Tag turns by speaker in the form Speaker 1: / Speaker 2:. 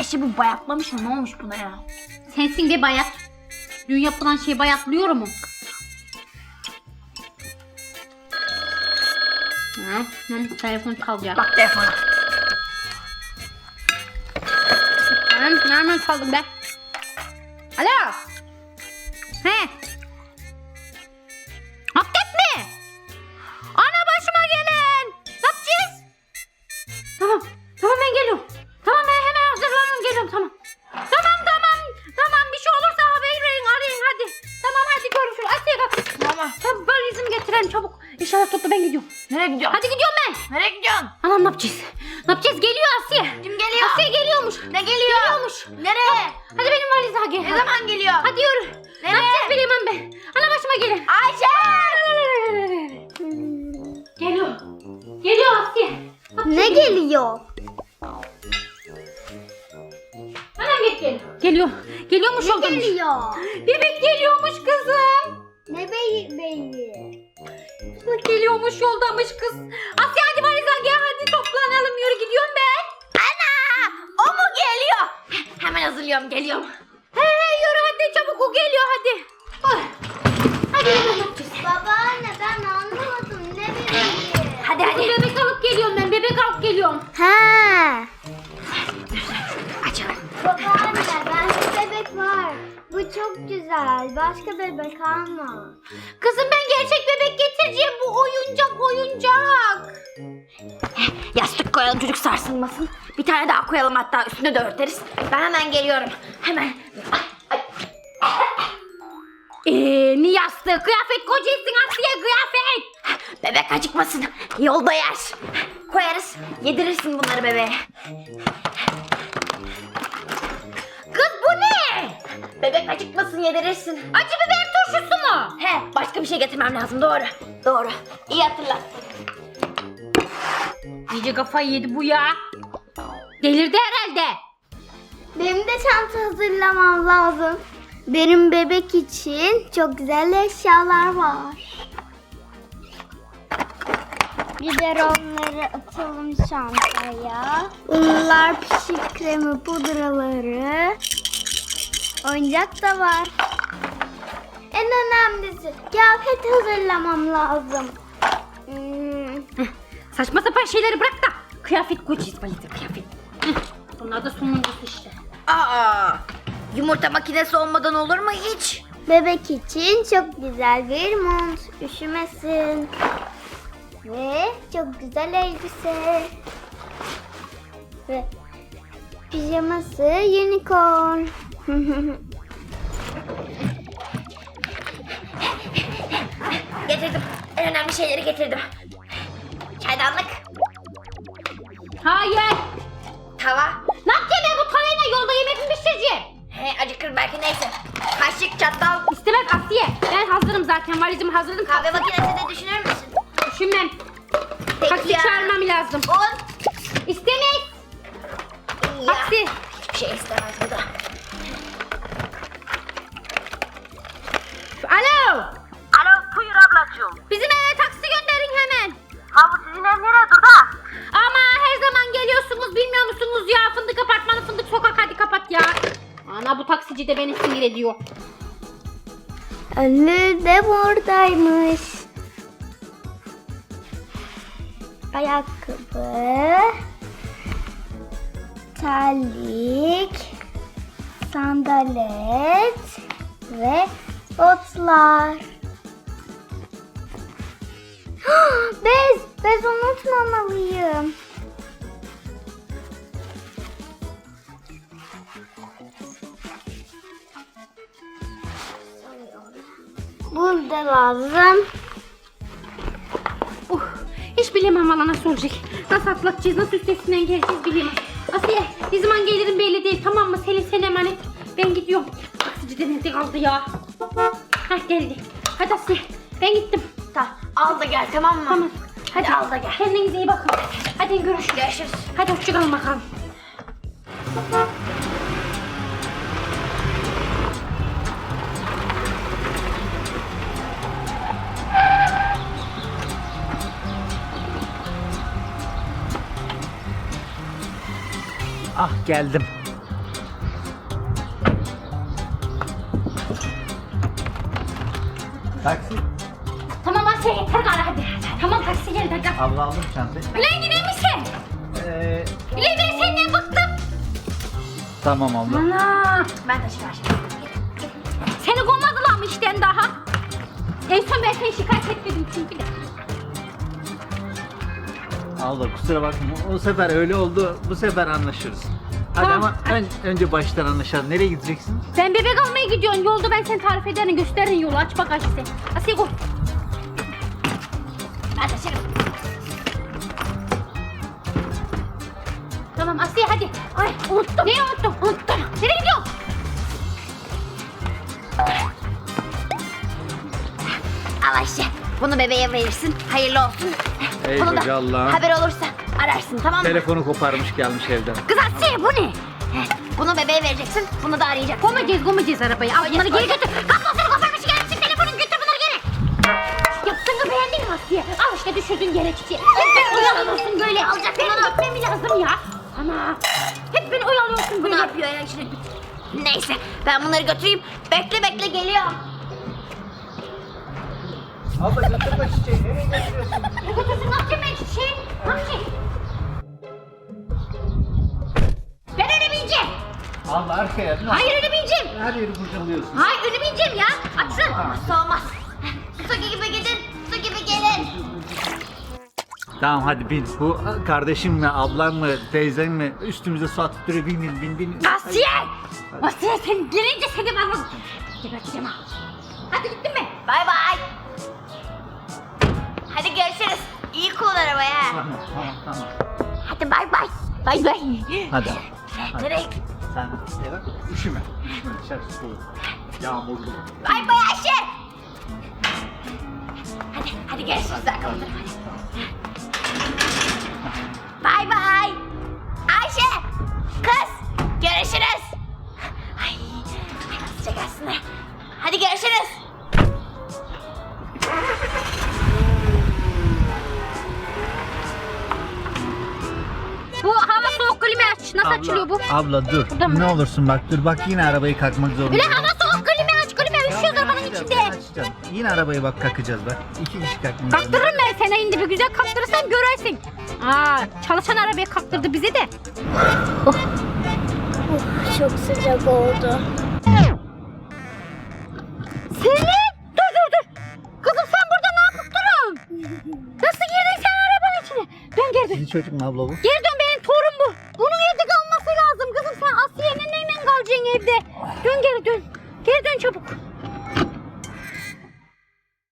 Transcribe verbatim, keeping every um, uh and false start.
Speaker 1: Ayşe bu bayatlamış mı? Ne olmuş buna ya?
Speaker 2: Sensin de bayat. Dün yapılan şey bayatlıyor mu? Ha, hı, telefon çalacak.
Speaker 1: Bak telefona.
Speaker 2: Ben nereden çaldım be? Alo. He. Hakikaten mi? Ana başıma gelen. Ne yapacağız? Tamam. Tamam ben geliyorum. Tamam ben hemen hazırlanıyorum geliyorum tamam. Tamam tamam. Tamam bir şey olursa haber verin arayın hadi. Tamam hadi görüşürüz. Asiye bak.
Speaker 1: Tamam.
Speaker 2: Tamam valizimi getirelim çabuk. İnşallah topla ben gidiyorum.
Speaker 1: Nereye gidiyorsun?
Speaker 2: Hadi gidiyorum ben.
Speaker 1: Nereye gidiyorsun?
Speaker 2: Anam ne yapacağız? Ne yapacağız? Geliyor Asiye.
Speaker 1: Kim geliyor?
Speaker 2: Asiye geliyormuş.
Speaker 1: Ne geliyor?
Speaker 2: Geliyormuş.
Speaker 1: Nereye?
Speaker 2: Hadi benim valize gel.
Speaker 1: Ne zaman geliyor?
Speaker 2: Hadi yürü. Ne
Speaker 1: Nereye?
Speaker 2: yapacağız bilemem ben. Ana başıma gelin.
Speaker 1: Ayşe!
Speaker 2: Geliyor. Geliyor Asiye.
Speaker 3: Ne geliyor?
Speaker 2: Anam git geliyor. Geliyor. Geliyormuş
Speaker 3: Ne
Speaker 2: yoldamış.
Speaker 3: geliyor?
Speaker 2: Bebek geliyormuş kızım.
Speaker 3: Ne beyi beyi?
Speaker 2: Bebek geliyormuş yoldamış kız. Asiye hadi valize gel hadi toplanalım yürü gidiyorum ben.
Speaker 1: Ana! O mu geliyor? Hemen hazırlıyorum geliyorum.
Speaker 2: He he yürü hadi çabuk o geliyor hadi. Ay. Hadi yürü ne yapacağız?
Speaker 3: Babaanne ben anlamadım. Ne bebeği?
Speaker 1: Hadi hadi.
Speaker 2: Bebek alıp geliyorum ben bebek alıp geliyorum.
Speaker 3: Ha.
Speaker 1: Açalım.
Speaker 3: Babaanne bende bebek var. Bu çok güzel. Başka bebek alma.
Speaker 2: Kızım ben gerçek bebek getireceğim bu oyuncak oyuncak.
Speaker 1: Yastık koyalım çocuk sarsılmasın. Bir tane daha koyalım hatta üstüne de örteriz. Ben hemen geliyorum. Hemen. Ay, ay.
Speaker 2: Eee ne yastığı kıyafet kocaysın Asiye kıyafet.
Speaker 1: Bebek acıkmasın. Yolda yer. Koyarız. Yedirirsin bunları bebeğe. Kız bu ne? Bebek acıkmasın yedirirsin.
Speaker 2: Acı biber turşusu mu?
Speaker 1: He başka bir şey getirmem lazım doğru. Doğru. İyi hatırlattın.
Speaker 2: İyice kafayı yedi bu ya. Delirdi herhalde.
Speaker 3: Benim de çanta hazırlamam lazım. Benim bebek için çok güzel eşyalar var. Biberonları atalım çantaya. Unlar, pişik kremi, pudraları. Oyuncak da var. En önemlisi kıyafet hazırlamam lazım. Hmm.
Speaker 2: Saçma sapan şeyleri bırak da kıyafet koyacağız bayıldır kıyafet. Heh, bunlar da sonuncusu işte.
Speaker 1: Aa, yumurta makinesi olmadan olur mu hiç?
Speaker 3: Bebek için çok güzel bir mont, üşümesin. Ve çok güzel elbise. Ve pijaması unicorn.
Speaker 1: Getirdim. En önemli şeyleri getirdim. Çaydanlık,
Speaker 2: Hayır.
Speaker 1: tava.
Speaker 2: Ne yapacağım ben bu tavayla yolda yemek mi pişireceğim?
Speaker 1: He acıkır belki neyse. Kaşık, çatal,
Speaker 2: İstemez Asiye. Ben hazırım zaten valizimi hazırladım.
Speaker 1: kahve makinesi de düşünür müsün?
Speaker 2: Düşünmem.
Speaker 1: Peki
Speaker 2: Taksi
Speaker 1: ya.
Speaker 2: çağırmam lazım.
Speaker 1: Un.
Speaker 2: İstemez.
Speaker 1: Ya.
Speaker 2: Taksi.
Speaker 1: Hiçbir şey istemez bu da.
Speaker 2: Alo.
Speaker 4: Alo buyur ablacığım.
Speaker 2: Bizim eve taksi gönderin hemen.
Speaker 4: Ha bu sizin ev nereye durdu?
Speaker 2: Ama her zaman geliyorsunuz bilmiyor musunuz ya? Fındık apartmanı fındık sokak hadi kapat ya. Ana bu taksici de beni sinir ediyor.
Speaker 3: Önlü de buradaymış. Ayakkabı, terlik, sandalet ve botlar. Bez, bez unutmamalıyım. Buz da lazım.
Speaker 2: Uh, hiç bilemem valla nasıl olacak. Nasıl atlatacağız, nasıl üstesinden geleceğiz bilemem. Asiye ne zaman gelirim belli değil tamam mı? Selin sen emanet. Ben gidiyorum. Taksici de nerede kaldı ya? Hah geldi. Hadi Asiye ben gittim.
Speaker 1: Tamam. Al da gel tamam mı?
Speaker 2: Tamam. Hadi,
Speaker 1: Hadi al da gel.
Speaker 2: Kendinize iyi bakın. Hadi görüşürüz.
Speaker 1: Görüşürüz.
Speaker 2: Hadi hoşçakalın bakalım.
Speaker 5: Ah geldim. Taksi.
Speaker 2: Tamam Asya yeter gari hadi. Tamam taksi geldi hadi.
Speaker 5: Abla aldım çantayı.
Speaker 2: Ulan gider misin?
Speaker 5: Ee,
Speaker 2: Ulan ben senden bıktım.
Speaker 5: tamam abla.
Speaker 2: Ana.
Speaker 1: Ben taşıver.
Speaker 2: Seni kovmadılar mı işten daha? En son ben seni şikayet etmedim çünkü de.
Speaker 5: Abla kusura bakma. O sefer öyle oldu. Bu sefer anlaşırız. Hadi
Speaker 2: Tamam.
Speaker 5: ama ön- önce baştan anlaşalım. Nereye gideceksin?
Speaker 2: Sen bebek almaya gidiyorsun. Yolda ben seni tarif ederim. Gösteririm yolu. Aç bak Asya. Asya koy.
Speaker 1: Ben taşırım.
Speaker 2: Tamam Asya hadi. Ay unuttum. Neyi unuttum? Unuttum. Nereye gidiyorsun?
Speaker 1: Al Ayşe. Bunu bebeğe verirsin. Hayırlı olsun.
Speaker 5: Ey
Speaker 1: Bunu
Speaker 5: koca
Speaker 1: da
Speaker 5: Allah'ım.
Speaker 1: haber olursa ararsın tamam mı?
Speaker 5: Telefonu koparmış gelmiş evden.
Speaker 1: Kız Asiye bu ne? Heh, Bunu bebeğe vereceksin. Bunu da arayacaksın.
Speaker 2: Koymayacağız, koymayacağız arabayı. Al bunları geri
Speaker 1: koyacağız.
Speaker 2: götür. Kablosunu koparmış gelmişsin. Telefonu götür bunları geri. Yaptığını beğendin mi Asiye? Al işte düşürdün yere çiçeği. Hep beni oyalıyorsun böyle.
Speaker 1: Alacak
Speaker 2: Benim
Speaker 1: bunu.
Speaker 2: gitmem lazım ya. Ana. Hep beni oyalıyorsun
Speaker 1: Bu
Speaker 2: böyle.
Speaker 1: ne yapıyor ya işte? Neyse ben bunları götüreyim. Bekle bekle geliyorum.
Speaker 5: Abla götürme çiçeği. Nereye götürüyorsun?
Speaker 2: Ne götürsün? Ne yapacağım ben çiçeği? Ne yapacağım? Ben öyle bineceğim.
Speaker 5: Abla arkaya.
Speaker 2: Hayır öyle bineceğim.
Speaker 5: Her yeri kurcalıyorsun.
Speaker 2: Hayır öyle bineceğim ya. Açsın.
Speaker 1: Nasıl olmaz? Su gibi gidin. Su gibi gelin.
Speaker 5: Tamam hadi bin. Bu kardeşim mi, ablam mı, teyzem mi? Üstümüze su atıp duruyor. Bin bin bin bin.
Speaker 2: Asiye! Asiye sen gelince seni ben vaz... Geberteceğim ha. Hadi gittin mi?
Speaker 1: Bay bay. Hadi görüşürüz. İyi kullan arabayı ha.
Speaker 5: Tamam tamam tamam.
Speaker 1: Hadi bay bay. Bay bay.
Speaker 5: Hadi. Hadi.
Speaker 1: Nereye?
Speaker 5: Sen eve üşüme. Üşüme dışarı soğuk. Yağmurlu.
Speaker 1: Bay bay Ayşe. Hadi hadi görüşürüz arkadaşlar. Hadi. Bay bay. Ayşe. Kız. Görüşürüz. Ay. Ay nasıl çekersin? Hadi görüşürüz.
Speaker 2: Bu hava soğuk klima aç. Nasıl açılıyor bu?
Speaker 5: Abla dur.
Speaker 2: Burada mı?
Speaker 5: Ne olursun bak dur. Bak yine arabayı kalkmak zorunda.
Speaker 2: Bile hava soğuk klima aç. Klima üşüyoruz arabanın içinde.
Speaker 5: Açacağım. Yine arabayı bak kalkacağız bak. İki kişi kalkmak zorunda.
Speaker 2: Kaktırırım ben seni indi bir güzel kaktırırsam görersin. Aa, çalışan arabayı kaktırdı bize de.
Speaker 3: Çok sıcak oldu.
Speaker 2: Selin! Dur dur dur. Kızım sen burada ne yapıp durun? Nasıl girdin sen arabanın içine? Dön geri dön.
Speaker 5: Sizin çocuk mu abla bu?
Speaker 2: Geri dön benim torun bu. Bunun evde kalması lazım kızım. Sen Asiye'nin neyle kalacaksın evde? Dön geri dön. Geri dön çabuk.